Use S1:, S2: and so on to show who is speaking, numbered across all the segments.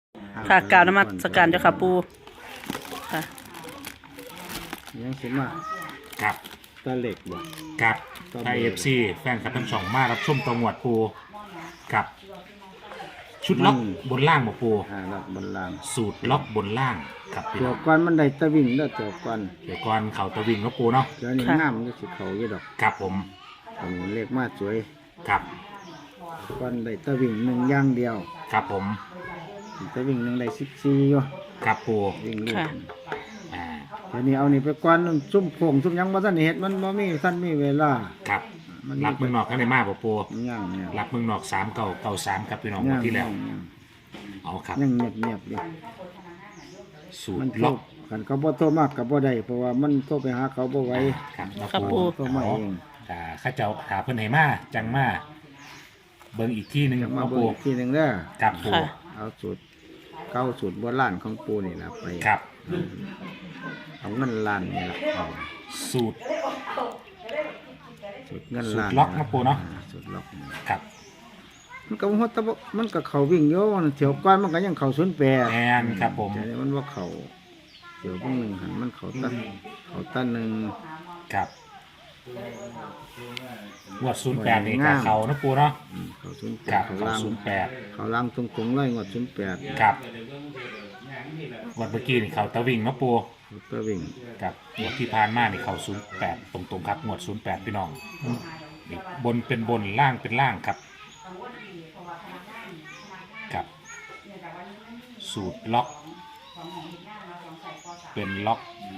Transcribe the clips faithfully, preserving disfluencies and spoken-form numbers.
S1: ค่ะกล่าวนมัสการเจ้าค่ะปูค่ะ
S2: ยังสิมา
S3: ครับ
S2: ตะเหล็กบ่
S3: ครับ
S2: ครับ
S3: ไทยเอฟซีแฟนคลับทั้งสองมารับชมตัวงวดปูกับ ชุดล็อกบนล่างบ่ปู
S2: หาลักบนล่าง
S3: สูตรล็อกบนล่างครับพี่
S2: ตั
S3: น้
S2: ว
S3: อง
S2: ก่อนมันได้ตะวิ่งแล้วตัวก่อน
S3: เดี๋ยวก่อนเข่าตะวิ่งเนาะปูเนาะ
S2: เดี๋ยวนี้น้ำมันจะสิเขาอยู่ดอก
S3: ครับผม
S2: ผมเล็กมาสวย
S3: ครับ
S2: ก่อนได้ตะวิ่งหนึ่งอย่างเดียว
S3: ครับผม
S2: ตะวิ่งหนึ่งได้สิบสี่อยู่
S3: ครับปู
S2: วิ่งลูก
S1: ค่ะ
S3: อ่า
S2: เดี๋ยวนี้เอานี่ไปก่อนนั่นซุ่มโค้งซุ่มหยังบ่ทันได้เฮ็ดมันบ่มีทันมีเวลา
S3: ครับ
S2: มัน
S3: รับเมืองนอกกันได้มากบ่ปู
S2: ย่างเนี่ย
S3: รับเมืองนอกสามเก่าเก่าสามครับพี่น้องงวดที่แล้ว
S2: ย่าง
S3: เอาครับ
S2: ยังเงียบเงียบๆอยู่
S3: สู
S2: มัน
S3: ตร
S2: โทร
S3: ล็อก
S2: กันเขาบ่โทรมากก็บ่ได้เพราะว่ามันโทรไปหาเขาบ่ไหว
S3: ครับเนาะ
S1: ครับปู
S2: โทรมาเอง
S3: อ่าข้าเจ้าถาเพิ่นให้มาจังมาเบิ่งอีกที่หนึง
S2: จะมา
S3: เนาะ
S2: เบิ่
S3: ปู
S2: งอีกทีหนึงเด้อ
S3: ครับปู
S1: ค่ะ
S2: เอาสูตรเก้าสูตรโบราณของปูนี่ล่ะไป
S3: ครับ
S2: เอาเงินล้านนี่ล่ะเอา
S3: สูตร
S2: สูตรเงินล้าน
S3: สูตรล็อกนะปูเนาะ
S2: อ่สูตรล็อกนี่
S3: ครับ
S2: มันก็ฮอดแตะบ่มันก็เข้าวิ่งอยู่มันเที่ยวก่อนมันก็ยังเข้าศูนย์แปด
S3: แอนครับผม
S2: แต่นี่มันว่าเข้าเที่ยวเบิ่งหนึงหันมันเข้าตันเข้าตันหนึง
S3: ครับงวดศูนย์แปดนี่กับเขานะปูเนาะ
S2: อืมเข้าศูนย์แป
S3: ครั
S2: ด
S3: บ
S2: เข้า
S3: เขา
S2: ล่าง
S3: ศูนย์แปด
S2: เข้าล่างตรงๆเลยงวดศูนย์แปด
S3: ครับงวดเมื่อกี้นี่เขาตะวิ่งเนาะปู
S2: ก็วิ่ง
S3: ครับงวดที่ผ่านมานี่เขาศูนย์แปดตรงๆครับงวดศูนย์แปดพี่น้องนี่บนเป็นบนล่างเป็นล่างครับครับ สูตรล็อก เป็นล็อก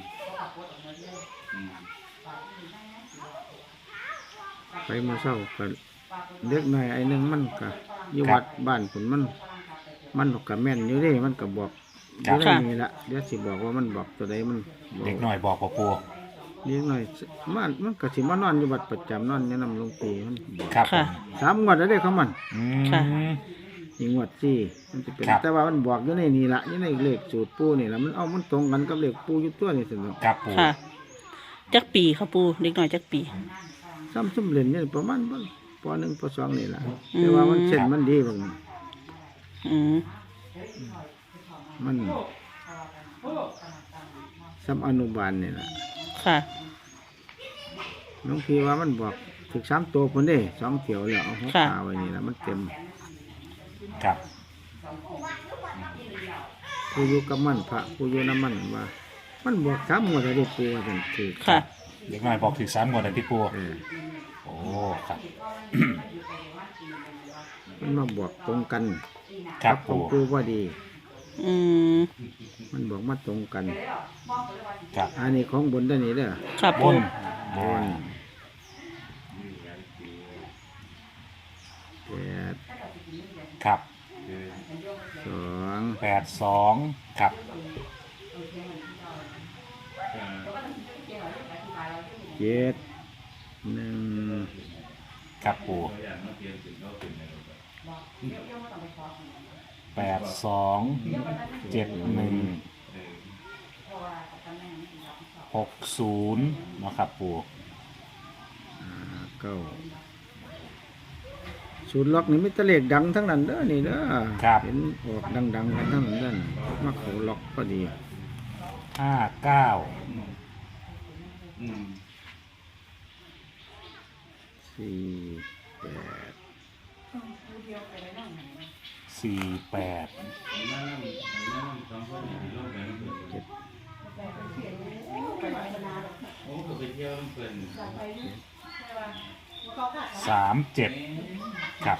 S2: ไปมื้อเช้าก็เด็กน้อยไอ้หนึงมันก็อยู่วัดบ้านผนมัน มันก็แม่นอยู่เด้มันก็บอกอยู่ในนี่ละเดี๋ยวสิบอกว่ามันบอกตัวใดมันบอก
S3: เด็กหน่อยบอกว่าปู
S2: เด็กน้อยมันมันก็สิมานอนอยู่วัดประจำนอนอยู่นำหลวงปู่มันบอก
S3: ครับผ
S1: ค่ะ
S3: ม
S2: สามงวดแล้วเด้ของมัน
S3: อื
S1: ค่ะ
S3: ม
S2: อีกงวดสี่มันจะเป็น
S3: ครับ
S2: แต่ว่ามันบอกอยู่ในนี่ละอยู่ในเลขสูตรปู่นี่ละมันเอามันตรงกันกับเลขปู่อยู่ตัวนี่สิเนาะ
S3: ครับปู
S1: ค่ะ จักปีค่ะปูเด็กน้อยจักปี
S2: ซ้ำซุ่มเล่นนี่ประมาณบ่ปหนึ่งปสองนี่ละแต่ว่ามันเส้นมันดีบาง
S1: อืม
S2: มันซ้ำอนุบาลนี่ละ
S1: ค่ะ
S2: น้องพี่ว่ามันบอกถึกสามตัวคนเด้สองเที่ยวแล้วเอาหัว
S1: ค่ะ
S2: ขาไว้นี่ละมันเต็ม
S3: ครับ
S2: ผู้อยู่กับมันพระผู้อยู่น้ำมันว่า มันบอกสามงวดแล้วเด้ปูว่าจังคือ
S1: ค่ะ
S3: เด็กหน่อยบอกถึงสามงวดเลยที่ปู
S2: เออ
S3: โอ้ครับ
S2: มันมาบอกตรงกัน
S3: ครับ
S2: ของ
S3: ปู
S2: ปูว่าดี
S1: อืม
S2: มันบอกมาตรงกัน
S3: ครับ
S2: อันนี้ของบนด้านนี้เด้อ
S1: ค่ะ
S3: บ
S1: ปู
S3: น
S2: บ
S3: อ่าน
S2: แปด
S3: ครับ
S2: สอง
S3: แปดสองครับ
S2: เจ็ดหนึ่ง
S3: ครับปูแปดสองเจ็ดหนึ่งหกศูนย์นะครับปู
S2: ห้าเก้าสูตรล็อกนี่มิตรเลขดังทั้งนั้นเด้อนี่เด้อ
S3: ครับ
S2: เห็นออกดังๆกันทั้งนั้นเด้อมาเขาล็อกพอดี
S3: ห้าเก้า
S2: สี่แปด
S3: สี่แปด สามเจ็ดครับ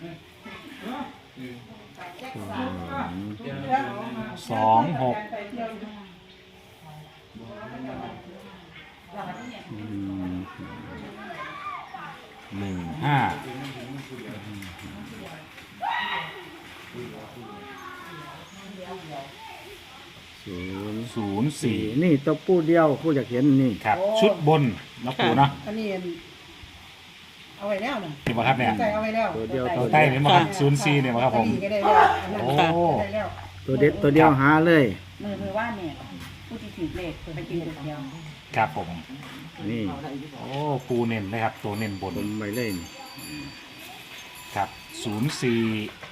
S2: สอง
S3: สองหก
S2: อืม
S3: หนึ่งห้า
S2: ศูนย์
S3: ศูนย์สี่
S2: นี่ตัวปูเดียวผู้อยากเห็นนี่
S3: ครับ ชุดบนนะปูเนาะ
S4: อันนี้เอาไว้แล้วนะ
S3: ที่มาครับเนี่ย
S4: ใส่เอาไว้แล้ว
S2: ตัวเดียว
S3: ตัวใต้เนี่ยมาครับศูนย์สี่เนี่ยมาครับผม
S4: ก็ได้แล้วอันนั้น
S3: โอ้
S4: ก็ได้แล้ว
S2: ตัวเด็ดตัวเดียวหาเลย
S5: มือมือว่าเนี่ยผู้ที่ถือเลขไปกินคนเดียว
S3: ครับผม
S2: นี่
S3: โอ้ปูเน้นนะครับ ตัวเน้นบน
S2: ผมไปเลยนี่
S3: ครับศูนย์สี่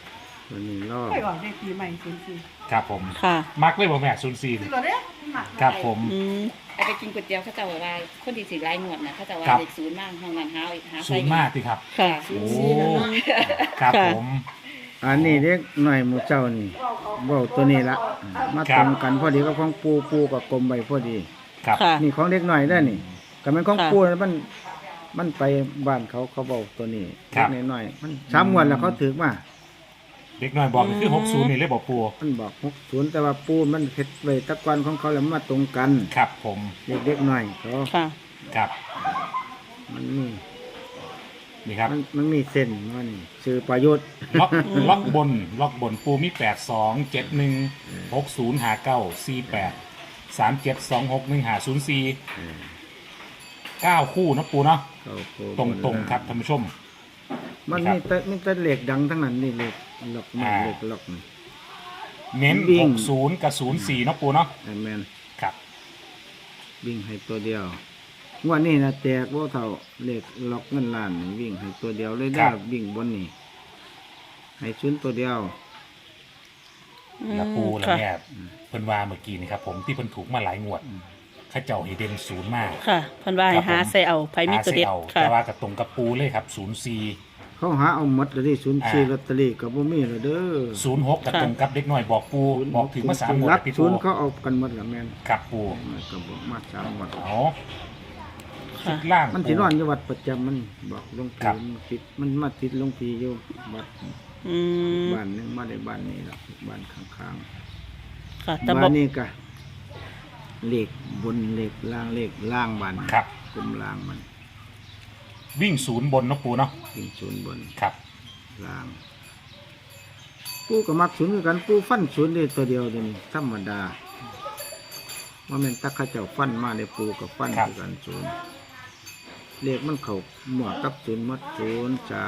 S2: ตัวนี้รอบ
S4: ไม่ออกได้ปีใหม่ศูนย์สี่
S3: ครับผม
S1: ค่ะ
S3: มักเลยบ่แม่ศูนย์สี่
S4: ซื้อก่อนเด้อหมัก
S3: ครับผม
S1: อืม
S5: ไอ้ไปกินก๋วยเตี๋ยวเขาจะบอกว่าคนที่สิไล่หนวดนะเขาจะว่า
S3: ครับ
S5: เด็กศูนย์มากห้องนั้นหาหา
S3: ศูนย์มากสิครับ
S1: ค่ะ
S3: โอ้ครับผม
S2: อันนี้เด็กหน่อยหมูเจ้านี่เว้าตัวนี้ละมา
S3: ครั
S2: ตร
S3: บ
S2: งกันพอดีกับของปูปูกับกลมใบพอดี
S3: ครับ
S1: ค่ะ
S2: นี่ของเด็กหน่อยได้อนี่ก็มันของ
S1: ค่ะ
S2: ปูมันมันไปบ้านเขาเขาเว้าตัวนี้
S3: ครับ
S2: เด็กน้อยๆมันสามงวดแล้วเขาถือมา
S3: เด็กน้อยบอกนี่คือหกศูนย์นี่เลยบอกปู
S2: มันบอกหกศูนย์แต่ว่าปูมันเฮ็ดไว้ตะกอนของเขาแล้วมันมาตรงกัน
S3: ครับผม
S2: เด็กเด็กๆหน่อยเขา
S1: ค่ะ
S3: ครับ
S2: มันมี
S3: นี่ครับ
S2: มันมันมีเส้นมันชื่อประยุทธ์
S3: ล็อกล็อกบนล็อกบนปูมีแปดสองเจ็ดหนึ่งหกศูนย์หาเก้าสี่แปดสามเจ็ดสองหกหนึ่งหาศูนย์สี่เก้าคู่นะปูเนาะ
S2: เขาโค
S3: ตรงตรงๆครับท่านผู้ชม
S2: มัน
S3: ครับ
S2: มีแต่มีแต่เหล็กดังทั้งนั้นนี่เหล็กล็อกมัน
S3: อ่า
S2: เหล็กล็อกนี่
S3: เน้น
S2: วิ่
S3: ห
S2: ง
S3: กศูนย์กับศูนย์สี่นะปูเนาะ
S2: ไอ้แมน
S3: ครับ
S2: วิ่งให้ตัวเดียวงวดนี้นะแตกว่าเท่าเหล็กล็อกเงินล้านนี่วิ่งให้ตัวเดียวเลยได้อวิ่งบนนี่ให้ชุนตัวเดียว
S3: แล้วปูแล้ว
S1: ค่ะ
S3: เนี่ยเพิ่นว่าเมื่อกี้นี่ครับผมที่เพิ่นถูกมาหลายงวดเข้าเจ้าให้เด่นศูนย์มาก
S1: ค่ะเพันว่าให้หาใส่เอาไผมีตัวเด็ด
S3: หาใส่เอา
S1: ค่ะ
S3: แต่ว่ากับตรงกับปูเลยครับศูนย์สี่
S2: เขาหาเอาหมดเลยที่ศูนย์สี่ลอตเตอรี่กับบ่มีเลยเด้อ
S3: ศูนย์หกกับ
S1: ค่ะ
S3: ตรงกับเด็กน้อยบอกปูบอกถึงมาสามงวด
S2: รัก
S3: พี่
S2: ศู
S3: ปู
S2: นย์เขาเอากันหมดละแมน
S3: ครับปู
S2: มันก็บอกมาสามหมด
S3: เอาชุ
S1: ค่ะ
S3: ดล่าง
S2: มันสินอนอยู่วัดประจำมันบอกหลวง
S3: ครั
S2: พี่
S3: บ
S2: มันติดมันมาติดหลวงพี่อยู่วัด
S1: อืม
S2: บ้านหนึงมาได้บ้านนี้ละบ้านข้าง
S1: ค่ะ
S2: ๆ
S1: แต่บ
S2: บ้า
S1: อน ก
S2: นี้ก็เหล็กบนเหล็กล่างเหล็กล่างบ้าน
S3: ครับ
S2: กลมล่างมัน
S3: วิ่งศูนย์บนเนาะปูเนาะ
S2: ยิงศูนย์บน
S3: ครับ
S2: ล่าง ปูก็มักศูนย์คือกันปูฟันศูนย์ได้ตัวเดียวเดี๋ยวนี้ธรรมดาว่าแม่นตักเข้าเจ้าฟันมาได้ปูกับฟันคือกันศูนย์เลขมันเข้าหมวดกับศูนย์หมัดศูนย์สาม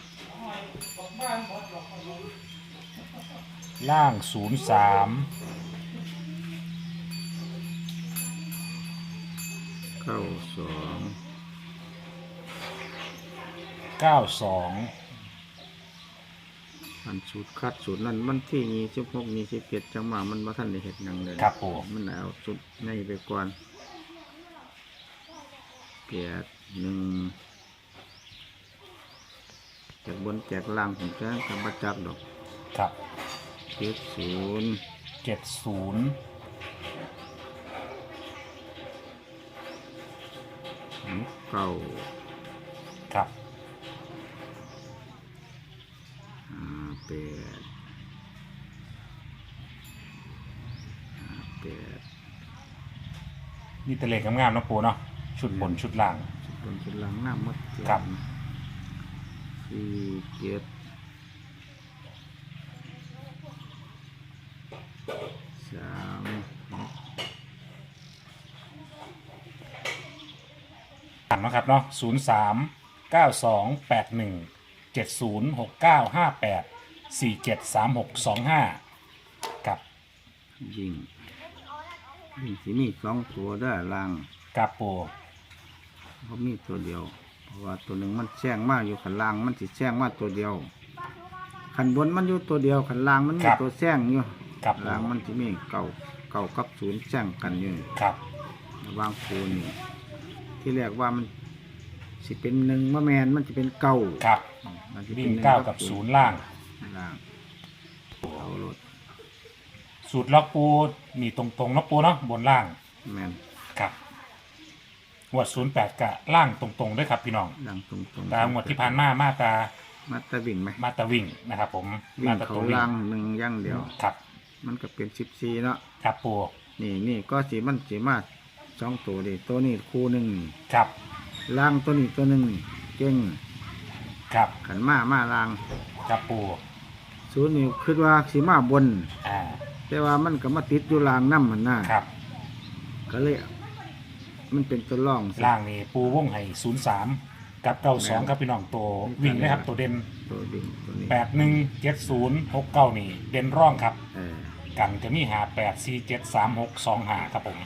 S3: ล่างศูนย์สาม
S2: เก้าสอง
S3: เก้าสอง
S2: อันสูตรคัดสูตรนั้นมันที่ยี่สิบหกยี่สิบเจ็ดจังหวะมันมาท่านได้เห็ดหยังเลย
S3: ครับปู
S2: มันเอาสุดในไปก่อนแปดหนึ่งแจกบนแจกล่างผมจะทำประจักดอก
S3: ครับ
S2: เจ็ดศูนย์
S3: เจ็ดศูนย์
S2: เก้า
S3: ครับ
S2: ห้าแปดห้าแปด
S3: นี่ตะเลขงามๆเนาะปูเนาะชุดบนชุดล่าง
S2: สุดบนสุดล่างหน้ามัด
S3: ครับ
S2: สี่เจ็ดสาม
S3: อ่านเนาะครับเนาะศูนย์สามเก้าสองแปดหนึ่งเจ็ดศูนย์หกเก้าห้าแปดสี่เจ็ดสามหกสองห้ากับ
S2: ยิงยิงสีมีสองตัวได้อล่าง
S3: กับปู
S2: เพราะมีตัวเดียว เพราะว่าตัวหนึ่งมันแซงมากอยู่ขันล่างมันสิแซงมากตัวเดียวขันบนมันอยู่ตัวเดียวขันล่างมันมีตัวแซงอยู่
S3: กับปู
S2: ล่างมันสิมีเก่าเก่ากับศูนย์แซงกันอยู่
S3: ครับ
S2: ระหวางคูนี่ที่แรกว่ามันสิเป็นหนึ่งมะแมนมันจะเป็นเก่า
S3: ครับ
S2: มันสิป็
S3: วิ่
S2: น
S3: ง
S2: หนึ่
S3: เก้ากับศูนย์ล่าง
S2: ล่างเอารถ
S3: สูตรล็อกปูมีตรงๆเนาะปูเนาะบนล่าง
S2: แมน
S3: ครับงวดศูนย์แปดกะล่างตรงๆด้วยครับพี่น้อง
S2: ล่างตรงตรง
S3: ตามงวดที่ผ่านมามาตา
S2: มาตะวิ่งไหม
S3: มาตาวิ่งนะครับ ผม
S2: วิ่
S3: มาง ตา
S2: เขา
S3: ตัววิ่ง
S2: ล่างหนึ่งอย่างเดียว
S3: ครับ
S2: มันก็เป็นสิบสี่เนาะ
S3: ครับปู
S2: นี่นี่ก็สีมันสีมาสองตัวดิตัวนี้คู่หนึ่ง
S3: ครับ
S2: ล่างตัวนี้ตัวหนึ่งเก่ง
S3: ครับ
S2: ขันมามาล่าง
S3: ครับปู
S2: ศูนย์นี่คิดว่าสีมาบน
S3: อ่า
S2: แต่ว่ามันก็มาติดอยู่ล่างน้ำมันน่ะ
S3: ครับ
S2: ก็เลยมันเป็นตัวร่องสิ
S3: ล่างนี่ปูวงไห่ศูนย์สามกับเก้าสองครับพี่น้องตัววิ่งนะครับ ตัวเด่น
S2: ตัวดิ่งตัวนี้
S3: แปดหนึ่งเจ็ดศูนย์หกเก้านี่ เด่นร่องครับ
S2: เออ
S3: กันจะมีหาแปดสี่เจ็ดสามหกสองหาครับผม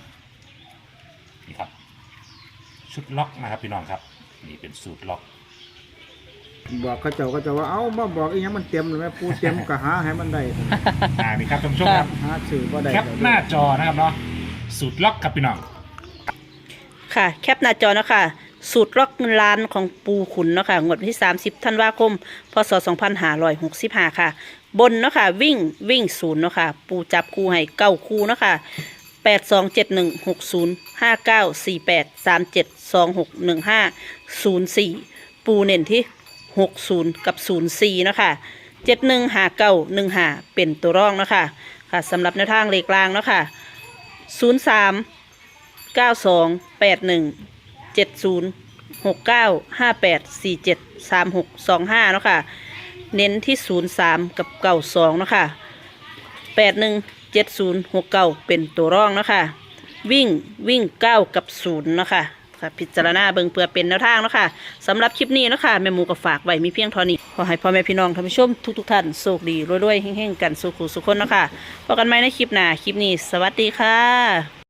S3: นี่ครับ ชุดล็อกนะครับพี่น้องครับ นี่เป็นสูตรล็อก
S2: บอกเขาเจ้าก็จะว่าเอ้ามาบอกอีหยังมันเต็มเลยแม่ปูเต็มก็หาให้มันได้
S3: อ่านี่ครับท่านผู้ชมครับ
S2: หาซื้อบ่ได้
S3: แคปหน้าจอนะครับเนาะสูตรล็อกกับพี่น้อง
S1: ค่ะแคปหน้าจอเนาะคะสูตรล็อกเงินล้านของปูขุนเนาะค่ะงวดวันที่สามสิบธันวาคมพศสองพันห้าร้อยหกสิบห้าค่ะ บนเนาะค่ะวิ่งวิ่งศูนย์เนาะค่ะปูจับคู่ให้เก้าคู่เนาะค่ะแปดสองเจ็ดหนึ่งหกศูนย์ห้าเก้าสี่แปดสามเจ็ดสองหกหนึ่งห้าศูนย์สี่ปูเน้นที่หกศูนย์กับศูนย์สี่เนาะค่ะเจ็ดหนึ่งห้าเก้าหนึ่งห้าเป็นตัวร่องเนาะค่ะค่ะสำหรับแนวทางเลขกลางเนาะค่ะศูนย์สามเก้าสองแปดหนึ่งเจ็ดศูนย์หกเก้าห้าแปดสี่เจ็ดสามหกสองห้าเนาะค่ะเน้นที่ศูนย์สามกับเก้าสองเนาะค่ะแปดหนึ่งเจ็ดศูนย์หกเก้าเป็นตัวร่องเนาะค่ะวิ่งวิ่งเก้ากับศูนย์เนาะค่ะค่ะพิจารณาเบิ่งเพื่อเป็นแนวทางเนาะค่ะสำหรับคลิปนี้เนาะค่ะแม่หมูก็ฝากไว้มีเพียงเท่านี้ขอให้พ่อแม่พี่น้องท่านผู้ชมทุกๆท่านโชคดีรวยๆเฮงๆกันสุขุสุขคนเนาะค่ะพบกันใหม่ในคลิปหน้าคลิปนี้สวัสดีค่ะ